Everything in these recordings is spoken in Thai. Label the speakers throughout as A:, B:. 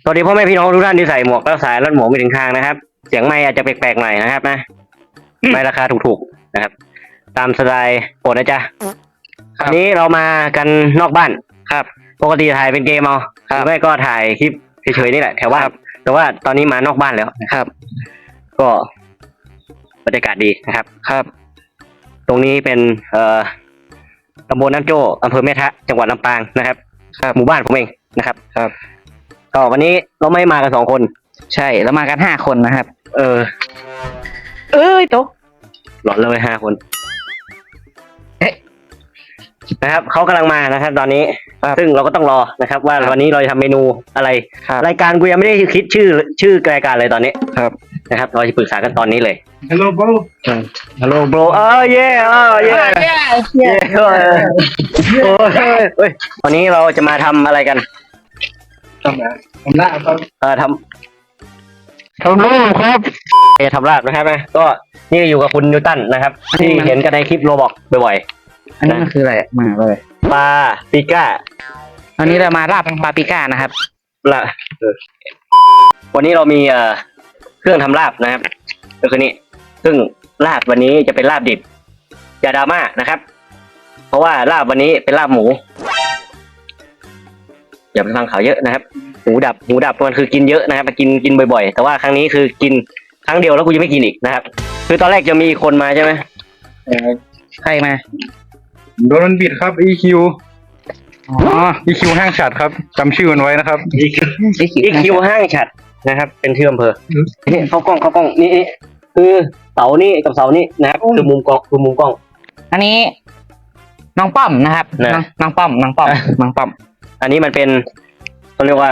A: สวัสดีพ่อแม่พี่น้องทุกท่านที่ใส่หมวกแล้วสายรัดหมวกไปถึงคางนะครับเสียงไมค์อาจจะแปลกๆหน่อยนะครับนะไม่ราคาถูกๆนะครับตามสไตล์โปรดนะจ๊ะวันนี้เรามากันนอกบ้านครับปกติถ่ายเป็นเกมเอาหรือไม่ก็ถ่ายคลิปเฉยๆนี่แหละแถวว่าแต่ว่าตอนนี้มานอกบ้านแล้วนะครับก็บรรยากาศดีนะครับครับตรงนี้เป็นตำบลน้ำโจ้อำเภอแม่ทะจังหวัดลำปางนะครับหมู่บ้านผมเองนะครับก็วันนี้เราไม่มากัน2 คน
B: ใช่แล้วมากัน5 คนนะครับตก
A: หลอนเลย5 คนนะครับเขากำลังมานะครับตอนนี้ซึ่งเราก็ต้องรอนะครับว่าวันนี้เราจะทำเมนูอะไรรายการกูยังไม่ได้คิดชื่อรายการเลยตอนนี้นะครับเราจะปรึกษากันตอนนี้เลย
C: Hello bro
A: Hello bro เย่วันนี้เราจะมาทำอะไรกัน
C: ทำลาบครับ
A: ทำลาบครับทำลาบนะครับนะก็นี่อยู่กับคุณนิวตันนะครับที่เห็นกันในคลิปโรบอกบ่อย
B: ๆอันนี้มันคืออะไรมาเลย
A: ปลาปิก้า
B: วันนี้เรามาลาบปลาปิก้านะครับ
A: วันนี้เรามีเครื่องทำลาบนะครับก็คือนี่ซึ่งลาบวันนี้จะเป็นลาบดิบอย่าดราม่านะครับเพราะว่าลาบวันนี้เป็นลาบหมูอย่าไปฟังข่าวเยอะนะครับหูดับมันคือกินเยอะนะครับกินบ่อยๆแต่ว่าครั้งนี้คือกินครั้งเดียวแล้วกูจะไม่กินอีกนะครับคือตอนแรกจะมีคนมาใช่ไหม
B: ใครมา
C: โดนมันบิดครับ EQ EQ ห้างฉัดครับจำชื่อมันไว้นะครับ
A: EQ ห้างฉัดนะครับเป็นชื่ออำเภอนี่เข้ากล้องนี่คือเสานี่กับเสานี่นะครับคือมุมกล้อง
B: อันนี้น้องป้อมนะครับน้องป้อม
A: อันนี้มันเป็นเขาเรียกว่า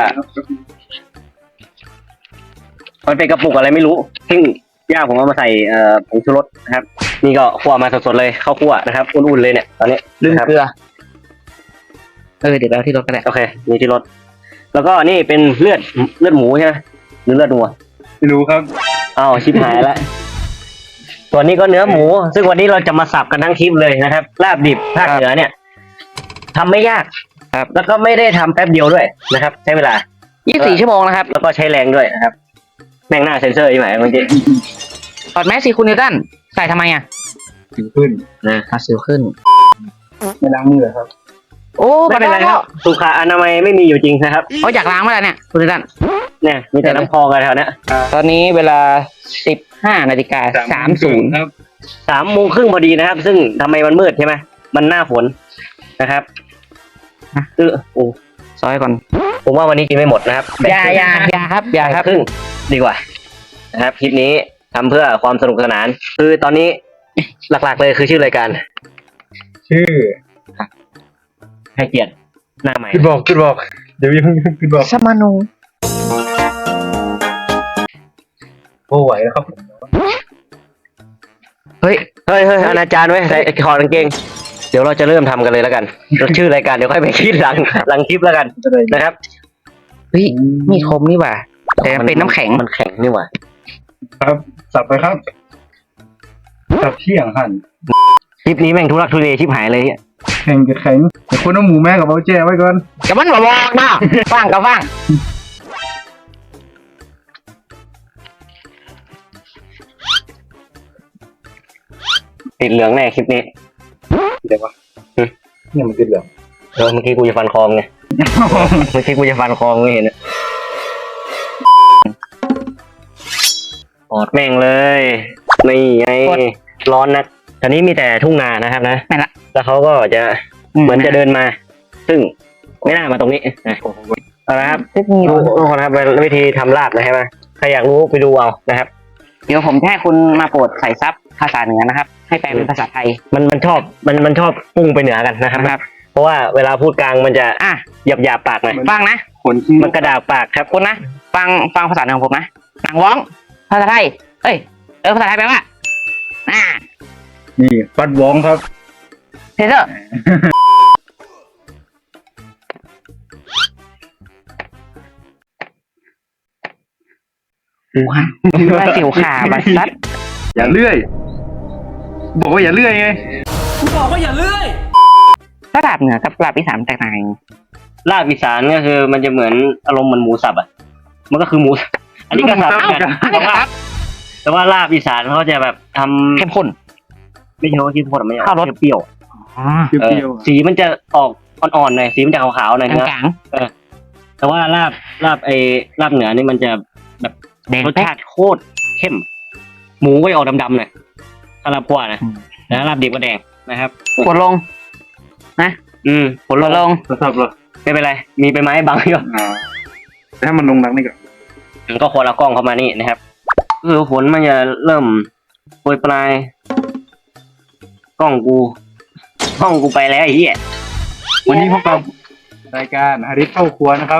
A: มันเป็นกระปุกอะไรไม่รู้ซึ่งย่าผมเอามาใส่ผงชูรสนะครับนี่ก็คั่วมาสดๆเลยข้าวคั่วนะครับอุ่นๆเลยเนี่ยตอนนี้
B: ลืมเกลือเดี๋ยวเราที่รถก็ได้
A: โอเคมีที่รถแล้วก็นี่เป็นเลือดหมูใช่ไหมหรือเลือดวัว
C: ไม่รู้ครับ
A: อ้าวชิบหายแล้วส่วนนี้ก็เนื้อหมูซึ่งวันนี้เราจะมาสับกันทั้งคลิปเลยนะครับลาบดิบภาคเหนือเนี่ยทำไม่ยากครับแล้วก็ไม่ได้ทำแป๊บเดียวด้วยนะครับใช้เวลา
B: 24 ชั่วโมงนะครับ
A: แล้วก็ใช้แรงด้วยนะครับแม่งหน้าเซ็นเซอร์ใช่ไหมเมื่อกี้
B: ถอดแมสสิคุณนิวตันใส่ทำไม
C: สิวขึ้น
B: สิวขึ้น
C: ไม่ล้างมือครับ
A: โอ้ไม่เป็นไรครับสุขอนามัยไม่มีอยู่จริงนะครับ
B: อยากล้างเมื่อไหร่เนี่ยคุณนิวตัน
A: เนี่ยมีแต่น้ำพองกันแถวนี้
B: ตอนนี้เวลา 15:30
C: ครับ
A: 3:30พอดีนะครับซึ่งทำไมมันมืดใช่ไหมมันหน้าฝนนะครับ
B: ซอยก่อน
A: ผมว่าวันนี้กินไม่หมดนะครับ
B: อย่าครับ
A: ครึ่งดีกว่านะครับคลิปนี้ทำเพื่อความสนุกสนานคือตอนนี้หลักๆเลยคือชื่อรายการ
C: ชื่อ
A: ให้เกียรติหน้าใหม่
C: ขึ้นบอกเดี๋ยวยังขึ้นบอก
B: สมานุ
C: โอ้ไหวแล้วครับ
A: เฮ้ยอนาจารย์ไว้ใส่ถอดกางเกงเดี๋ยวเราจะเริ่มทำกันเลยแล้วกันชื่อรายการเดี๋ยวค่อยไปคิดหลังคลิปแล้วกันนะครับ
B: มีคมนี่หว่าแต่เป็นน้ำแข็ง
A: มันแข็งนี่หว่า
C: ครับสับไปครับสับเที่ยงหั่น
A: คลิปนี้แม่งทุลักทุเลชิบหายเลย
C: แข็งกับแข็งแต่คนเอาหมูแม่กับเบาแจ้ไว้ก่อน
B: กับมันบอกนะฟัง
A: ติดเหลืองแน่คลิปนี้
C: เดี๋ยววะเนี่ยมันติดเหลือง
A: เมื่อกี้กูจะฟันคอไงเมื่อกี้กูจะฟันคอไม่เห็นอดแม่งเลยนี่ไงร้อนนะตอนนี้มีแต่ทุ่งนานะครับนะแล้วเขาก็จะเหมือนจะเดินมาซึ่งไม่น่ามาตรงนี้นะเอาละครับทุกคนครับวิธีทำลาบนะครับใครอยากรู้ไปดูเอานะครับ
B: เดี๋ยวผมให้คุณมาโปรดใส่ซับภาษาเหนือนะครับให้แปลเป็นภาษาไทย
A: มันชอบพุ่งไปเหนือกันนะครับเพราะว่าเวลาพูดกลางมันจะหยาบปากหน่อย
B: ฟังนะ
A: มันกระดาษปากครับ
B: คุณนะฟังภาษาเหนือของผมนะหนังว้องภาษาไทยภาษาไทยแปลว่า
C: นี่ปัดว้องครับ
B: เทเซอร์ว้าวสิวขาบัสซัด
C: อย่าเลื่อยบอกว่าอย่าเลื่อยไง
B: บอกว่าอย่าเลื่อยลาบเหนือกับลาบอีสานแตกต่างกัน
A: ลาบอีสานก็คือมันจะเหมือนอารมณ์เหมือนหมูสับมันก็คือหมู อันนี้ก็สับกัน
B: อันนี้ครับ
A: แต่ว่าลาบอีสานเขาจะแบบทำ
B: เข้มข้น
A: ไม่ใช่ว่าเข้มข้นไม่ใช่
B: ข้าวรส
A: เปรี้ยว
B: อ๋อ
C: เปรี้ยว
A: สีมันจะออกอ่อนๆหน่อยสีมันจะขาวๆหน่อย
B: ก
A: เนื้อ
B: ลาง
A: แต่ว่าลาบเหนือนี่มันจะแบบ
B: ๆแดง
A: รส
B: แป๊ก
A: ชาติโคตรเข้ม หมูก็จะออกดำๆหน่อยถ้าลาบคั่วนะ
B: อืม
A: แล้วลาบดิบก็แดงนะครับ
B: กดลง
A: ผล
B: กดลง
C: ๆทดสอบเหรอ
A: ไม่เป็นไร มีใบไม้บังอยู่
C: แต่ถ้ามันลงนักนี่ก็
A: มันก็คนละกล้องเข้ามานี่นะครับคือฝนมันจะเริ่มโปรยปลาย กล้องกูไปแล้วไอ้เหี้ย
C: วันนี้พบกับรายการฮาริสเข้าครัวนะครับ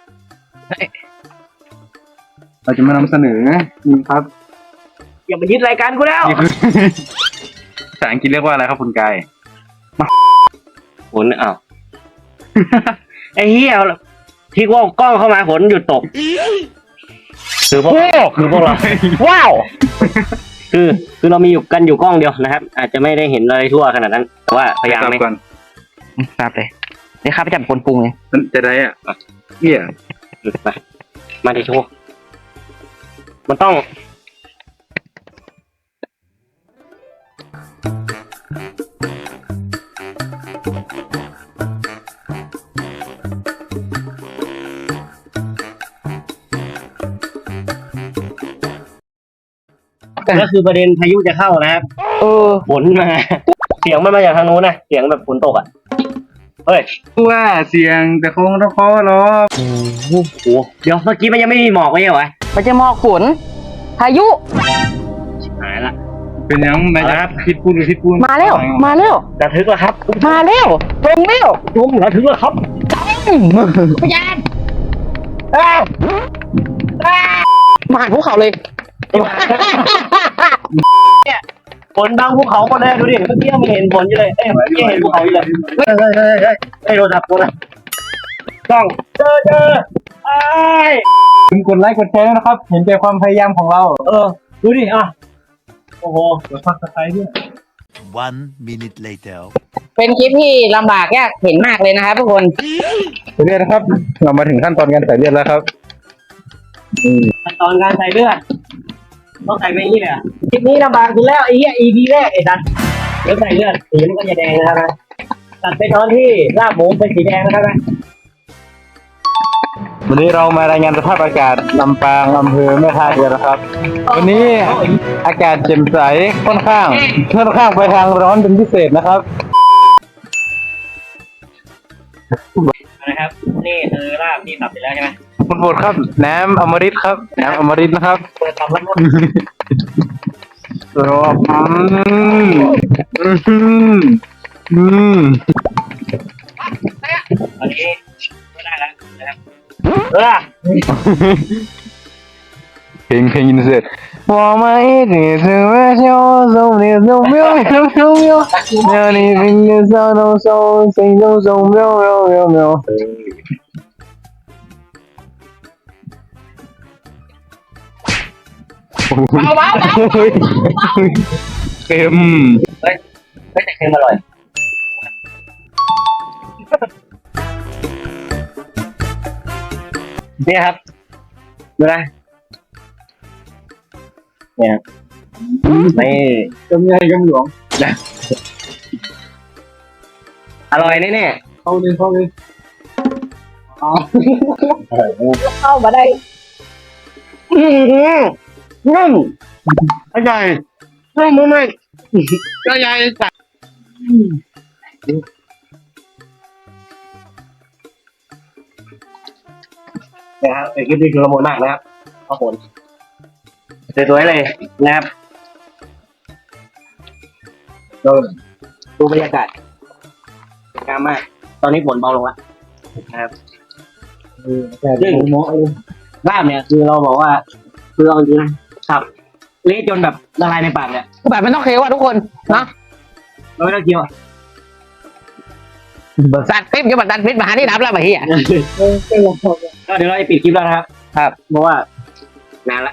C: เราจะมานำเสนอนี่ครับ
A: อย่ามายึดรายการกูแล้ว
C: นี่คือ ภาษาอังกฤษเรียกว่าอะไรครับคุณกาย
A: ฝนอ้าว ไอ้เหี้ยที่ว่ากล้องเข้ามาฝนหยุดตก คือพวกเรา
B: ว้าว
A: คือเรามีอยู่กันอยู่กล้องเดียวนะครับ อาจจะไม่ได้เห็นอะไรทั่วขนาดนั้น แต่ว่าพยายาม
C: กลับ
A: ไม่
C: ก่อน
B: ครับเลยเดี๋ยวข้าไปจับคนปรุงเลย
C: มันจะได้อ่ะเหี้ย
A: มาดิโชว์มันต้อง ก็คือประเด็นพายุจะเข้านะครับ ฝนมา เสียงมันมาจากทางนู้นนะ เสียงแบบฝนตกอ่ะ เฮ้ย
C: ว่าเสียงแต่คงต้องขอร้อง
A: โอ้โหเดี๋ยวเมื่อกี้มันยังไม่มีหมอกไม่ใช่เหรอวะ
B: มันจะหมอกฝนพายุ
A: หายละ
C: เป็นยังไง
A: เอาละครับ
C: พิษพูดหรือพิษพูด
B: มาแล้ว
A: ระทึกแล้วครับ
B: มาแล้วตรงแล้ว
A: ทุ่มระทึกแล้วครับ
B: พยานมาหาภูเขาเลย
A: ฝนบังภูเขาหมดเลยดูดิเมื่อกี้ยังไม่เห็นฝนอยู่เลยเอ้ยเมื่อกี้เห็นภูเขาอยู่เลยเฮ้ยโดนจับตัวนะกล้องเจอไอ้
C: คุณกดไลค์กดแชร์นะครับ เห็นใจความพยายามของเรา
A: ดูดิอ่ะโอ้โห
C: กดซับสไครต์ด้วย
D: One minute later.
B: เป็นคลิปที่ลำบากยากเห็นมากเลยนะครับทุกคน
C: ใส่เลือดนะครับ เรามาถึงขั้นตอนการใส่เลือดแล้วครับ
A: ขั้นตอนการใส่เลือดต้องใส่ไปนี่เลยอ่ะคลิปนี้ลำบากสุดแล้วไอ้เหี้ย EP แรกไอ้ดันเดี๋ยวใส่เลือดสีมันก็จะแดงนะครับนะตัดไปตอนที่ลาบหมูเป็นสีแดงนะครับนะ
C: วันนี้เรามารายงานสภาพอากาศลำปางอำเภอแม่ท่าเรือนะครับ วันนี้อากาศแจ่มใสค่อนข้างไปทางร้อนเป็นพิเศษนะครับ
A: นะครับนี่คือลาบที่ตัดไปแล้วใช่ไหม
C: คุณโปรดครับน้ำอมฤตครับน้ำอมฤตนะครับ
A: เปิดตับแล้วหมด
C: รอบอืม
A: อันนี้ก็ได้แล้วนะครับ
C: เพลงอินเสิร์ต我们一起吃饭笑送你送喵喵喵喵让你明天上到手心中送喵喵喵喵
B: เบา
C: เค็ม
A: ไม่แต่เค็มอร่อยเนี่ยครับดูนะเนี่ยไม่
C: กำไงกำหลวง
A: อร่อยแน่
C: เข้าเลยอ๋อ
A: ๆเข้ามาได้นุ่มอร่อยนุ่มมากก็ใหญ่สัตว์นะครับคลิปนี้คือละมุนมากนะครับขอบคุณสวยๆเลยนะครับดูบรรยากาศสวยงามมาก ตอนนี้ฝนเบาลงแล้วนะครับ
C: แต่หมอเลย
A: ลาบเนี่ยคือเราบอกว่าคือเอาจริงนะครับเละจนแบบละลายในปากเนี่ย
B: ๆแบบมันต้องเคี้ยวอ่ะทุกคนเนาะ
A: เราไม่ต้องเคี้ยวอะ
B: สัตว์คลิปจะมาดันพิษมาหาที่รับแล้วมาเฮีย
A: ก็เดี๋ยวเราจะปิดคลิปแล้วนะครับ
B: ครับ
A: เพราะว่านานละ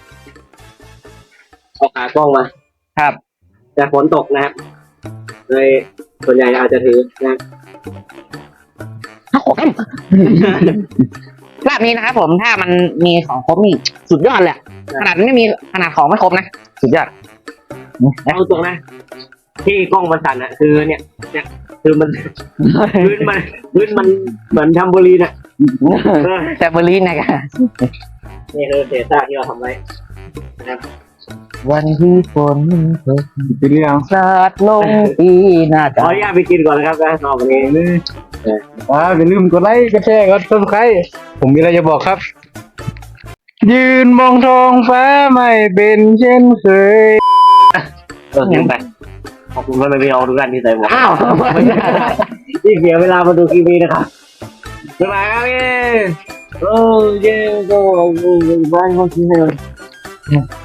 A: เอาขากล้องมา
B: ครับ
A: แต่ฝนตกนะครับเลยส่วนใหญ่อาจจะถือนะ
B: โอ้โหลาบนี้นะครับผมถ้ามันมีของครบนี่สุดยอดเลยอะขนาดไม่มีขนาดของไม่ครบนะสุดยอด
A: เอาตรงนะที่กล้องมันสั่นอะคือเนี่ยคือมัน พื้นมันเหมือนทำบุรีน่ะ
B: แต่เบอร์ลินนะครับ
A: นี่คือเศษซากที่เราทำไว้
B: วันที่ฝนตก
C: กินหรือยัง
B: สาดลงปีหน้า
A: ขออนุญาตไปกินก่อนนะครับนะนอกวันนี้
C: อย่าลืมกดไลค์กดแชร์กด subscribe ผมมีอะไรจะบอกครับ ยืนมองท้องฟ้าไม่เป็นเช่นเคย
A: ยังไปขอบคุณพ่อแม่พี่น้องทุกท่านที่ใส่หมวก
B: อ้าว
A: ที่เสียเวลามาดูคลิปนี้นะครับบ๊ายบายครับพี่โอ้เย้ก็บ้านเขาคิดเลย